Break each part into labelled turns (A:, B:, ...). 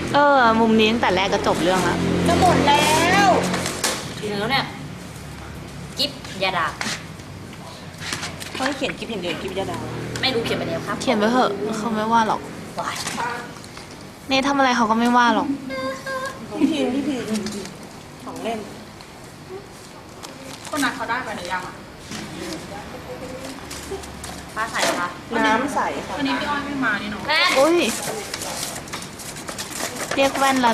A: มุมนี้ตั้งแต่แรกก็จบเรื่องแล้ว
B: จะหมดแล้ว
C: ถึงแล้วเนี่ยกิฟยาดา
B: เขาให้เขียนกิฟอย่างเดียวกิฟยาดา
C: ไม่รู้เขียนไปแล้วครับ
A: เขียนไว้เถอะเขาไม่ว่าหรอก
C: ว้าย
A: เนททำอะไรเขาก็ไม่ว่าหรอก
B: พี่พีของเล่น
D: คนนั้นเขาได้ไปหรือยังอ่ะ
C: ฟ้าใสคะ
B: น้ำใสค่ะ
D: วันนี้พี่อ้อยไม่มานี่เนาะ
C: แม่
A: อุ้ยเรียกแว่นแล้ว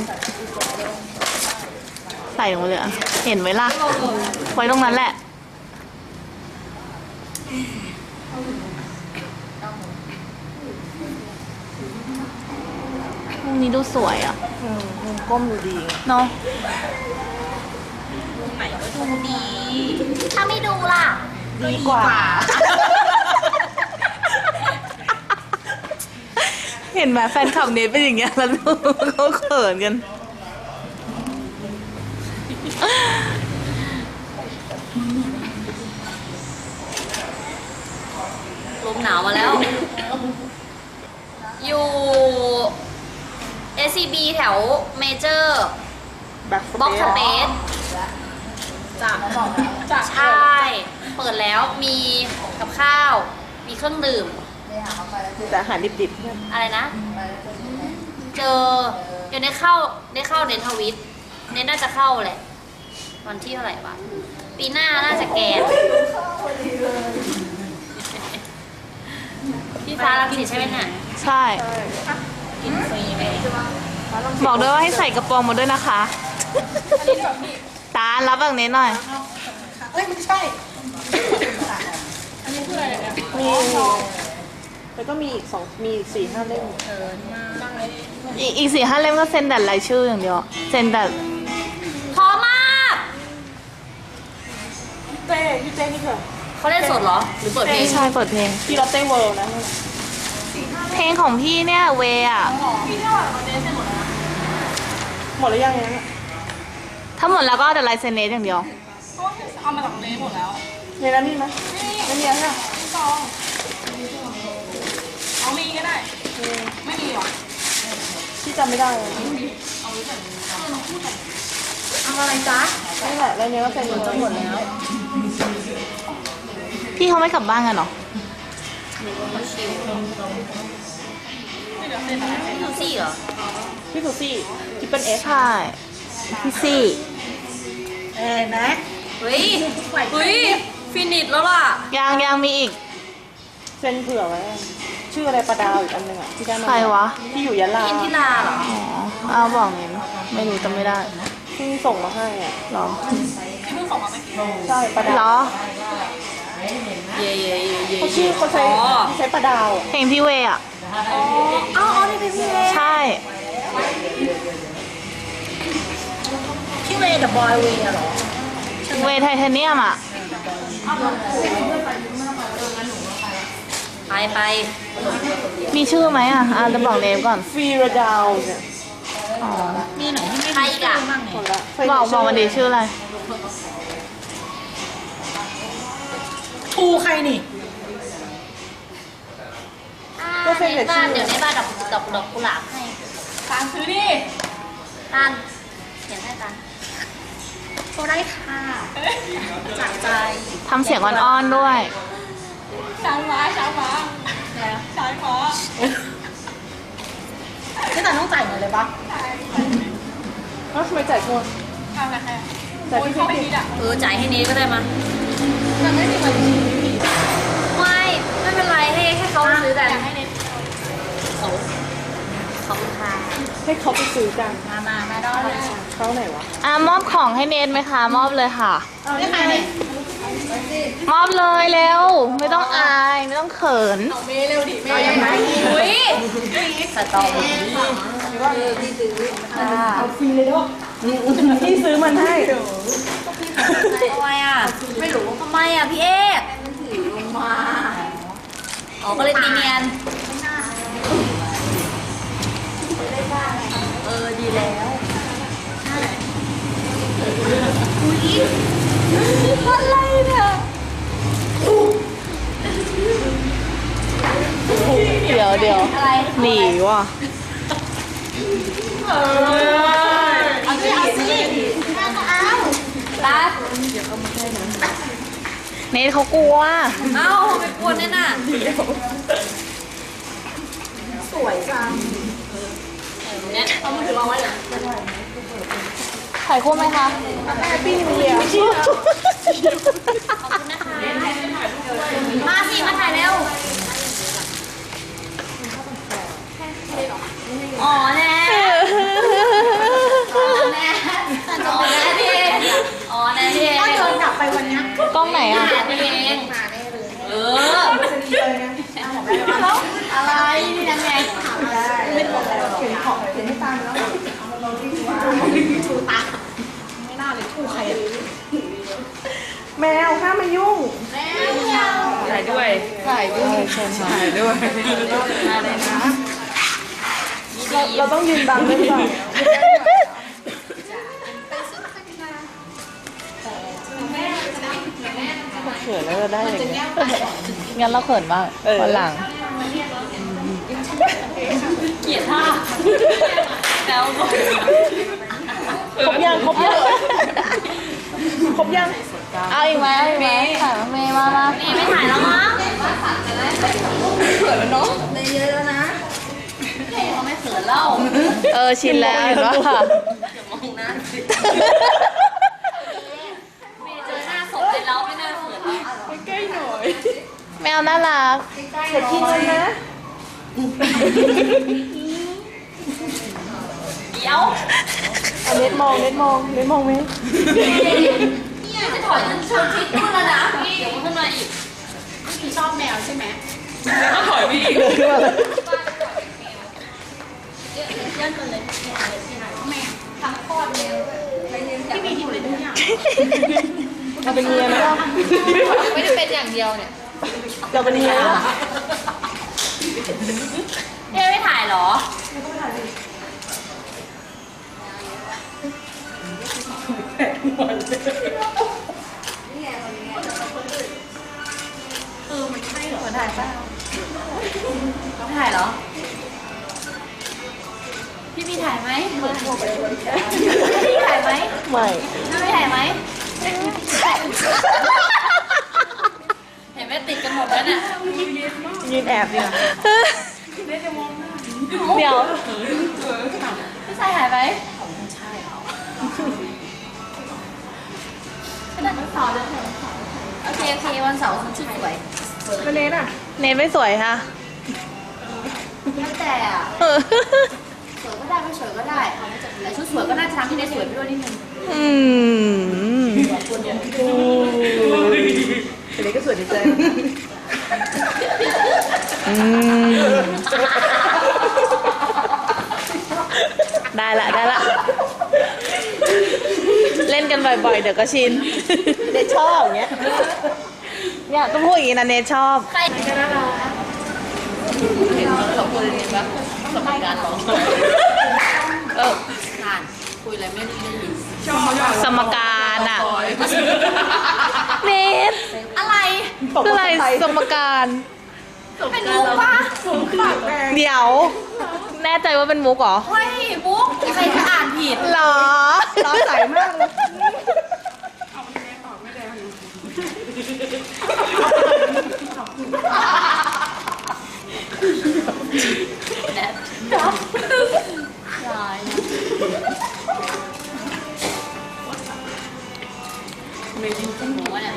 A: ใส่ลงมาเลยอะเห็นไหมล่ะ ไว้ตรงนั้นแหละมุมนี้ดูสวยอ่ะ
B: มุมก้มดูดี
A: เนาะ
D: ไหนก็ดูดี
C: ถ้าไม่ดูล่ะ
B: ดีกว่า
A: เห็นไหมแฟนคลับเนทเป็นอย่างเงี้ยแล้วเขาเขินกัน
C: ลมหนาวมาแล้ว อยู่ SCB แถวเมเจอร์
B: แบ็ค
C: บ็อกสเปซ
D: จาก
C: ใช่ เปิดแล้วมีกับข้าว มีเครื่องดื่ม
B: แต่อาหารดิบ
C: อะไรนะ เดี๋ยวได้เข้าเน้นทวิตเน้นน่าจะเข้าแหละ วันที่เท่าไหร่วะปีหน้าน่าจะแกนพี่ฟ้ารังสิตใช่ไหมเนี่ย
A: ใช่
D: กินฟรีไหม
A: บอกด้วยว่าให้ใส่กระโปรงมาด้วยนะคะ
D: อันนี้แบบพี่
A: ตารับแบบนี้หน่อย
D: เอ้ยไม่ใช่ อันนี้คืออะไรเนี่ย
B: ๆมีแล้วก็มีอีกมี4-5 เล่ม
D: นั่งเลย
A: อีก4-5 เล่มก็เซ็นแต่รายชื่ออย่างเดียว เซ็นแต่
C: พอมาก
B: พี่เต้นี่คือ
C: เขาเล่นสดเหรอ หรือเปิดเพลง
A: ใช่เปิดเพลง
B: พี่ลอตเต้เวิลด์นะ
A: เพลงของพี่เนี่ยเวอ่ะ
D: พี่เท่าไหร่วันนี้เสร็จหมดแล้วนะ
B: หมดแล้วยังเนี่ย
A: ถ้าหมดแล้วก็เอาแต่ลายเซ็นเนสอย่างเดียว
D: เพราะว่าเอามาจากเลหมดแล้ว
B: ในนั้นมีไหมไม่มีแล้วค่ะ
D: พี่ซองเอามีก็ได้ ไม่มีหรอ
B: พี่จำไม่ได้เลย
D: เอาอะไรจ๊ะ
B: นี่แหละแล้วเนี้ยก็เป็นหมดแล้ว
A: พี่เขาไม่กลับบ้านกันเหรอ
C: ดูซี่เหรอ
B: พี่ซูซี่ทิปเปิลเอส
A: ใช่ พี่ซี่
B: นะ
C: เฮ้ย ฟินิชแล้วล่ะ
A: ยังมีอีก
B: เซ็นเผื่อไว้ชื่ออะไรประดาวอีกอันหนึ่งอ่ะที่ได้มา
A: ใครวะ
B: ที่อยู่ยะลา
C: อินทิราเหรอ
A: อ๋อเอาบอกเน้นไม่รู้จำไม่ได้
B: เพิ่งส่งมาให้อ่ะ
A: หรอ
D: ที่เพิ่งส่งมาเมื่อกี้
B: ใช่ประ
A: หร
B: ดาว
A: อ
C: เย่
B: เขาชื่อเขาใช้
C: อ๋อ
B: ใช้ประดาวอ่ะ
A: เพลงพี่เวอ่ะ
C: อ๋อนี่เป็นพี่เว
A: ใช่
C: พี่เวกับบอยเวเหรอ
A: เวไทเทเนียมอ่ะ
C: ไป
A: มีชื่อไหมอ่ะจะบอกเนมก่อน
B: ฟรีระดาวเนี่ย
A: อ๋อ
D: มีไหนที่ไม่
C: ใครอีกอ่ะ
B: หมดละ
A: บอกมาดีชื่ออะไร
D: ทูใครนี่
B: ก็เซ็นแต่ชื่อ
C: เดี๋ยวในบ้านดอกกุหลาบให้
D: ตามซื้อดิ
C: ตันเขียนให้ตันโชว์ได้ค่ะจากใจ
A: ทำเสียงอ่อนๆด้วย
D: ช้างม้าช้างม้าช้างม้า
C: พี่ตันต้องจ่ายเงินเลยปะ
B: แล้วทำไมจ่ายคน
D: ทำอะไรใคร
B: จ่าย
D: โอ้ย
B: ที่
D: เขาไม่
B: พี่
D: คิดอ่ะ
C: จ่ายให้เนทก็ได้มา
D: มันไม่มีวันที่มี
C: ไม่เป็นไรให้เขาซื้อกัน
D: อยากให้เน็ต
C: ขอบคุณค่ะ
B: ให้เขาไปซื้อกัน
D: มาได้เลย
B: เขาไหนวะ
A: มอบของให้เนทไหมคะ มอบเลยค่ะ
B: อ้าวนี่ไง
A: มอบเลยเร็ว ไม่ต้องอาย ไม่ต้องเขิน
D: เมย์เร็วดิเมย์ยังไง
C: อุ้ยสตอเบอรี่
B: เอาฟรีเลยเนาะพี่ซื้อมันให้
C: ทำไมอ่ะ ไม่รู้ทำไมอ่ะพี่เอกอ๋อก็เลยตีเนียนดีแล้วอะไรเนี่ย
A: เดี๋ยว
C: อะไร
A: หนีว่ะ
D: เอาสิเอาสิแม่ก็เอา
C: รัก
A: เนทเขากลัว
C: เอ้าทำไมกวนเนี่ยน่ะ
D: สวยจัง
C: เนี่ยเอามือถือวางไว้เลย
A: ถ่ายคู่ไหมคะ
D: แม่ปิ้งเดียว
C: ขอบคุณนะคะมาสิมาถ่ายเร็วอ๋อแน่อ๋อแน่อ๋อแน่พี่อ๋อแน่พี่
D: ถ้าเดินกลับไปวันนี้
A: กล้องไหนอ่ะ
C: พี่เองเออ
D: จะดีเลยนะแล้ว
C: อะไรนี่ยังไง
D: ไม่บอกแล้วเขียนขอบเขียนให้ตามแล้วเอามาที่ว่าชูตาไม่น่าเลยคู่ใครแมวห้ามมายุ่ง
B: ถ่ายด้วย
A: ถ่ายด้วยเชิญค่ะ
B: ถ่ายด้วย
C: มาเลยนะ
D: เราต้องยืนบังด้วยก่อน
B: เขินแล้วจะได้อย่างเงี้ย
A: งั้นเราเขินบ้างวันหลัง
C: เกลียดท่าแล้ว
D: ครบยังครบยังครบยัง
A: เอาอีกไหมเอาอีกไหมถ่ายมาเมย์มา
C: นี่ไม่ถ่ายแล้วมั้ง
D: เขินแล้วเนาะในเยอะแล้วนะ
C: เขาไม่เขินเล่า
A: ชินแล้วเห็นปะ
C: เดี๋ยวมองหน้าสิเมย์เจอหน้าศพเลยแล้วไม่น่าเขินแล้ว
B: ใกล้หน่อย
A: แมวน่ารัก
D: เดี๋ยวกินเลยนะ
C: เดี๋ยว
D: เน็ตมองเน็ตมองเน็ตมองไหม
C: จะถอยจนชนชิดนู่นแล้วนะเดี๋ยวมันขึ้นมาอีก
D: พี่ชอบแมวใช่ไหม
B: ก็ถอยไปอีก
D: เดินขึ้นมาเลย
C: เลื่อนกันเลย
D: แมวทั้งคลอดแมวที่มีอยู่เลยทุกอย่าง
B: เราเป็นเมียไหมล่ะ
C: ไม่ได้เป็นอย่างเดียวเนี่ย
D: เราเป็นเมียแล้ว
C: ไม่ถ่ายเหรอ
D: คนถ่ายป่ะ
C: ต้องถ่ายเหรอ พี่มีถ่ายไหมพี่ถ่ายไหม
D: ไม่
C: ไม่ถ่ายไหมเห็นไหมติดกันหมดแล้วเนี่ย
D: ยืนแอบดีกว่า
A: เดี๋ยว
C: พี่ชายถ่ายไหมโอเควันเสาร์ฉันชุดสวย
D: แล้วเน็ตอ่ะ
A: เนทไม่สวยค่ะ
C: แล้วแต่อะสวยก็ได้ไม่สวยก็ได้แต่ชุดสวยก็น่าจะทำให้ได้สวยไปด้วยนิดนึง
A: อืม
D: แต่เน็ตก็สวยดีใจ
A: อืมได้ละ เล่นกันบ่อยๆ เดี๋ยวก็ชิน
D: เน็ตชอบอย่างเงี้ย
A: เนี่ยก็พูดอย่างนี้นะเนทชอบ
C: ใครจะน่ารักเห็นเราคุยเรียนปะสมัยการร้อง
A: เออ
C: อ่านคุยอะไรไม่ได้ยิน
A: สมการอ่ะ เนท
C: อะไร
A: คืออะไรสมการ
C: เป็นมุกปะ
A: เดี๋ยว แน่ใจว่าเป็นมุกเหรอ
C: เฮ้ยมุกใครจะอ่านผิด
A: เหรอ
D: ร้อนใสมากเลย
C: แนทจับลายไม่ยินจมูกวะเนี่ย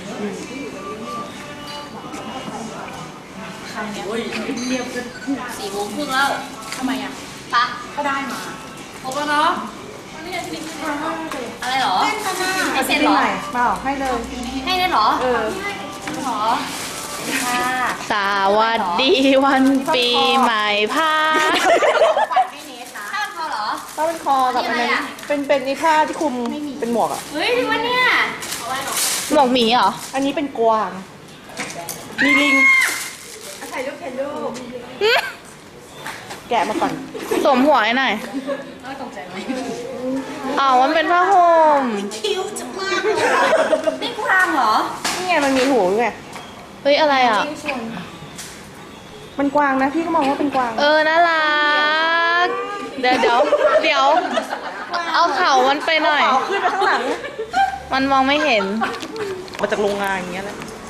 C: ใครเนี่ย4 โมงครึ่งแล้ว
D: ทำไมอ่ะ
C: ปะ
D: ก็ได้มา
C: ครบแล้วเนาะอะไรเหรอให้เซ็นเหรอ
D: เปล่าให้เลย
C: ให้ได้เหรอ
D: เออ
C: เหรอค่ะ
A: สวัสดีวันปีใหม่พา
C: ข้างเขาเหรอ
D: ถ้าเป็นคอกับอันนั้นเป็นไอ้ผ้าที่คลุมเป็นหมวกอ่ะ
C: เฮ้ยจริงวะเนี่ย
A: หมวกหมีเหรอ
D: อันนี้เป็นกวาง มีลิงถ่ายรูปถ่ายรูปแกะมาก่อน
A: สวมหัวให้หน่อยอ๋อมันเป็นผ้าห่ม
C: นี่กวางเหรอ
D: นี่ไงมันมีหูด้วยไง
A: เฮ้ย อะไรอ่ะ
D: มันกวางนะพี่ก็มองว่าเป็นกวาง
A: น่ารักเดี๋ยว เอาเข่ามันไปหน่อย
D: เอาขึ้นไปข้างหลัง
A: มันมองไม่เห็น
D: มาจากโรงงานอย่างเงี้ยแหละ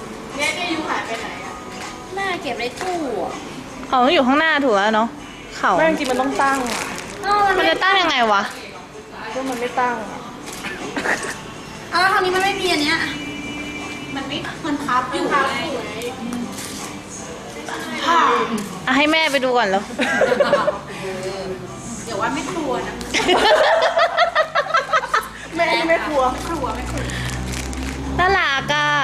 C: แม่เก็บในตู้อะ
A: เขาต้องอยู่ข้างหน้าถูกแล้วเนาะ เข่า
D: ไม่จริงๆมันต้องตั้งอ่ะ
A: มันจะตั้งยังไงวะ
D: ถ้ามันไม่ตั้งอะ
C: เอาแล้วคราวนี้มันไม่มีอันเนี้ย
A: อ่ะให้แม่ไปดูก่อนแล้ว
D: แม่ไม่กลัว
A: น่ารักอ่ะ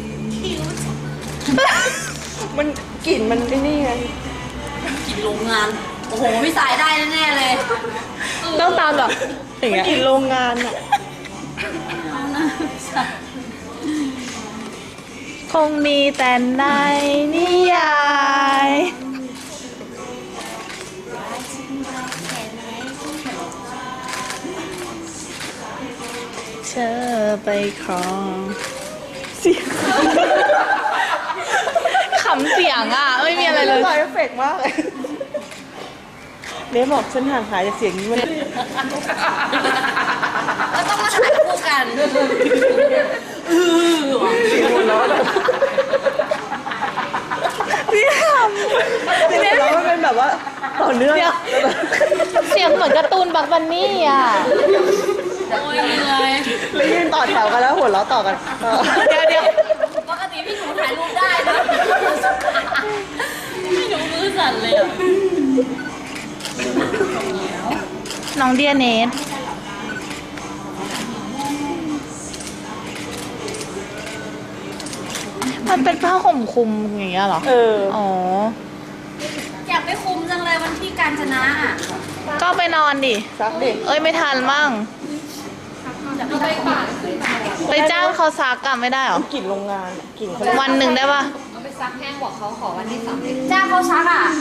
D: มันกลิ่นมันไอ้นี่ไง
C: กินโรงงาน โอ้โหพี่สายได้แน่ๆเลย
A: ต้องตามแบบอย่าง
D: มัน
A: เงี้ย
D: กลิ่นโรงงานอ่ะ
A: คงมีแต่ในนิยาย เธอไปครองเสียงขำเสียงอ่ะ ไม่มีอะไรเลย
D: ใส่เอฟเฟกต์มากเลยเนฟบอกฉันห่างหายจากเสียงนี้มัน
C: ก็ต้องมาถ่ายคู่กัน
D: เสียงหัวเราะแบบ
A: นี่ข
D: เสียงหัวเราะมันเป็นแบบว่าต่อเนื่อง
A: ำเสียงเหมือนการ์ตูนบักบันนี่อ่ะ
C: โอ้ยเหนื่อย
D: แล้วยืนต่อแถวกันแล้วหัวเราะต่อกันเออ
A: เดี๋ยว
C: ปกติพี่หนูถ่ายรูปได้นะพี่หนูมือสั่นเลยอ่ะ
A: น้องเดียเนสมันเป็นผ้าห่มคลุมอย่างเงี้ยเหรอ
D: เออ
A: อ๋อ
C: อยากไปคุมจังเลยวันที่การชนะอ่ะ
A: ก็ไปนอนดิ
D: ซักเด็ก
A: เอ้ยไม่ทันมั่ง ไปจ้างเขาซักกลับไม่ได้เหรอ
D: กลิ่นโรงงานอะกลิ่นเขา
A: วันหนึ่งได้ปะ
C: จ้างเขาซักอ่ะ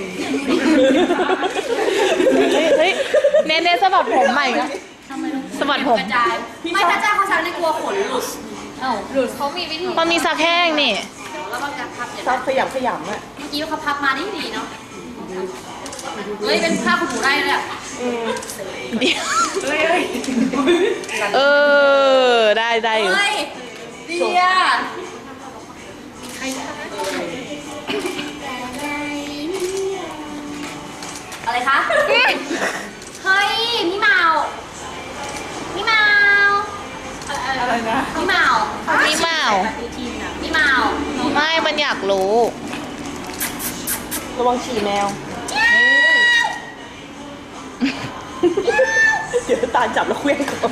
A: เฮ้ยเน้นสะบัดผมใหม่นะสะบัดผม
C: กระจายไม่ถ้าจ้างเขาซักในกลัวขนหลุดหลุดเขามีวิธี
A: มันมีซักแห้งนี่
C: แล้วก็การพับอย่าง
D: ซั
C: นั้
D: ก
C: น
D: ขยำขยำอ่ะ
C: เมื่อกี้เขาพับมาได้ดีเนาะเฮ้ยเป็นผ้าขนหนูได้เลยอ่ะ
D: อืม
A: เดี๋ยวเออ ได้อยู่
C: เฮ้ยดีอ่ะอะไรคะ เฮ้ย พี่เมาพี่เมา
D: อะไรนะ
C: พี่เมา
A: นี่เมา
C: พี่เมา
A: ไม่มันอยากรู้
D: ระวังฉี่แมว เดี๋ยวตาจับแล้วเคลื่อนก่อน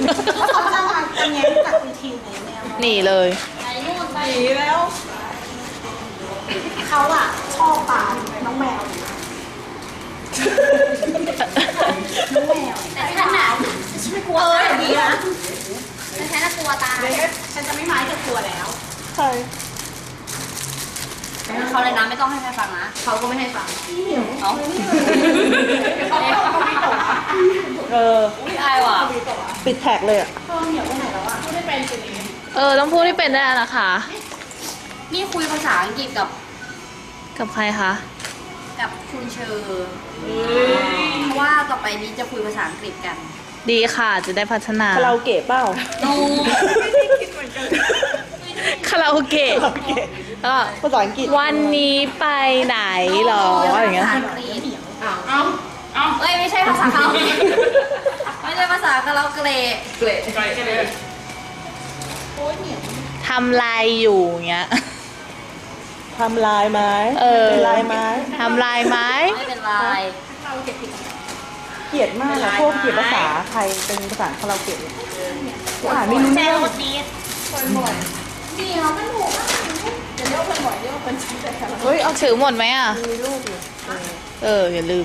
A: หนีเลย
C: ไปนู่นไป
D: เขาอ่ะชอบปาน้องแมว
C: แต่ฉันน่ะฉันไม่กลัวตายดีนะแต่ฉันน่ะกลัวตายฉันจะไม่ไม้จะกลัวแล้ว
D: ใช่
C: เขาเลยนะไม่ต้องให้ใครฟังนะเขาก็ไม่ให้ฟังเอ้า
D: เออ
C: ไม่อายว่ะ
D: ปิดแท็กเลยอ่ะ
A: ต้องพูดให้เป็นได้แล้วนะคะ
C: นี่คุยภาษาอังกฤษกับ
A: กับใครคะ
C: กับคุณเชอร์เพราะว่าต่อไปนี้จะคุยภาษาอังกฤษกัน
A: ดีค่ะจะได้พัฒนา
D: คาราโอเกะเปล่า
C: นู
A: คาราโอเกะ
D: คาราโอเกะ
A: ก็
D: ภาษาอังกฤษ
A: วันนี้ไปไหนหรออย่างเงี้ย
C: ภาษาอังกฤษเอ้ยไม่ใช่ภาษาคาราโอเกะไม่ใช่ภาษาคาราโอเกะ
A: ทำลายอยู่เงี้ย
D: ทำลายไม้
A: เออ
D: เป็นลายไม้
A: ทำลายไหม
C: ไม่เป็นไร
D: เกลียดมากนะพวกเกลียดภาษาไทยเป็นภาษาคาราโอเกะเนี่ยกูอ่านไม่รู้เรื่อง
C: นี่เราไม่ถูก
D: เฮ้ยเอา
A: ถือหมดไหมอ่ะ
D: มีลูกอยู่
A: อย่าลืม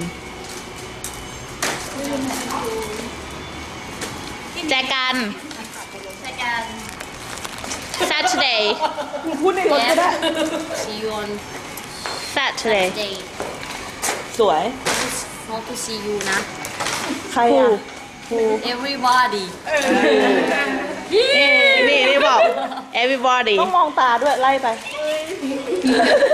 A: แจกัน
C: ในการ
A: Saturday
D: มึงพูดในรถก็ได้
C: see you on
A: Saturday
C: day
D: สวย
C: not to see you นะ
D: ใครอ่ะ
C: everybody
A: นี่บอก everybody
D: ต้องมองตาด้วยไล่ไป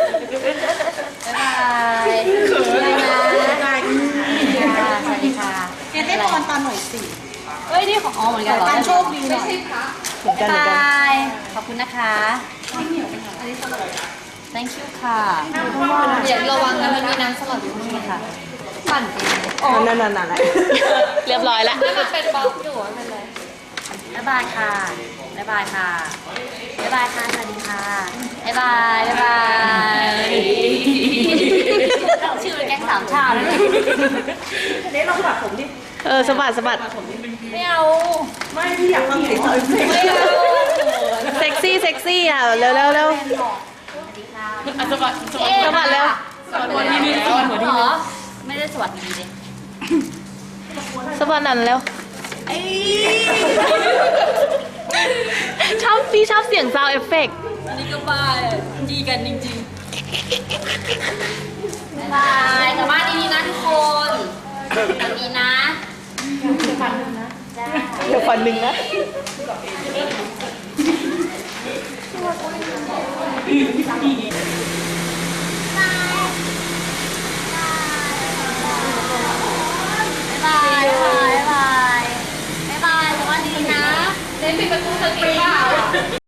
C: บ๊ายบายบ๊ายบายสวัสดีค่ะอะไร
D: ตอนตาหน่อยสิ
C: เฮ้ยนี่ของอ๋อเหมือนกันเหรอ
D: การโชคดีหน่อย
A: เหมือนกันเหมือนกัน
C: บายขอบคุณนะคะ thank you ค่ะเดี๋ยวระวังนะมันมีน้ำสลัดอยู่นี่ค่ะปั่นเอง
A: นั่นเรียบร้อยแล้ว
C: มันเป็นบล็อกอยู่ไม่เป็นไรบ๊ายบายค่ะบ๊ายบายค่ะบ๊ายบายค่ะสวัสดีค่ะบ๊ายบายบ๊ายบายชื่อแก๊งสามชาติเลย
D: เน้นลองสะบัดผมดิ
A: สะบัดสะบัด
C: ไม่เอา
D: ไม่พี่อยากฟังเสียงต่อยเพลง
C: ไม่เอา
A: เซ็กซี่อ่ะเร็วเร็วเร็ว
C: สวัสดีค่ะ
A: สะบัดเร็ว
C: สวัสดีนี่สวัสดีเหรอไม่ได้สวัสดีเลย
A: สะบัดนั่นเร็วพี่ชอบเสียงซาวเอฟเฟกต์
C: อันนี้ก็บ้าดีกันจริงๆบ๊ายบายกลับบ้านดีๆนะทุกคนสวัสดีนะจ้า
A: เดี๋ยวฟันหนึ่งนะ
C: บ๊ายบายบ๊ายบายบ๊ายบายสวัสดีนะเล่นปิดประตูสติเปล่า